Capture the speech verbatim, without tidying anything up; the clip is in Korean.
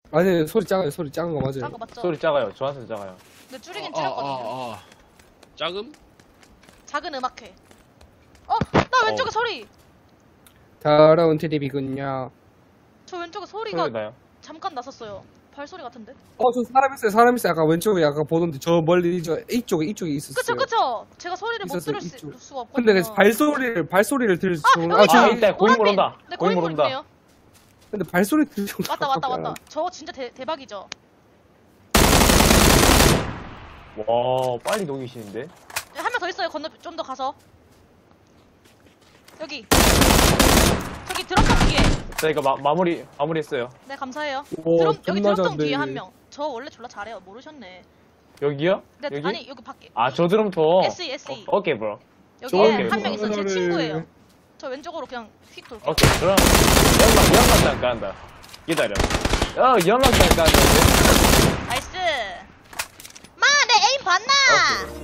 아니 소리 작아요. 소리 작은 거 맞아요. 작은 거 맞죠? 소리 작아요. 저한테 작아요. 근데 줄이긴 아, 줄였거든요. 아, 아. 작음? 작은 음악회. 어? 나 왼쪽에 어. 소리! 더러운 테레비군요. 저 왼쪽에 소리가 소리 나요. 잠깐 났었어요. 발소리 같은데? 어, 저 사람 있어요. 사람 있어요. 아까 왼쪽에 아까 보던데 저 멀리 저 이쪽에 이쪽에 있었어요. 그쵸 그쵸? 제가 소리를 못 있었어요, 들을 수, 이쪽. 수가 없거든요. 근데 발소리를 발소리를 들을 수 아, 여기 아, 있다! 아, 있다. 고인물 노란빛! 온다. 네, 고인물 고인물 온다. 있네요. 근데 발소리 들을 정도. 왔다 왔다 왔다. 저거 진짜 대, 대박이죠? 와, 빨리 녹이시는데? 한 명 더 있어요. 건너 좀 더 가서. 여기. 저기 드럼통 뒤에. 자, 이거 마, 마무리, 마무리했어요. 네 감사해요. 오, 드럼, 여기 존나 드럼통 잘한데. 뒤에 한 명. 저 원래 졸라 잘해요. 모르셨네. 여기요? 네, 여기? 아니 여기 밖에. 아, 저 드럼통. 에스이 에스이. 어, 오케이, 브로. 여기에 오케이. 한 명 있어. 제 저거를- 친구예요. 저 왼쪽으로 그냥 휙 돌게요. 오케이, 그럼 연막, 연막장 간다. 기다려. 어, 연막장 간다. 나이스. 마, 내 에임 봤나? 오케이.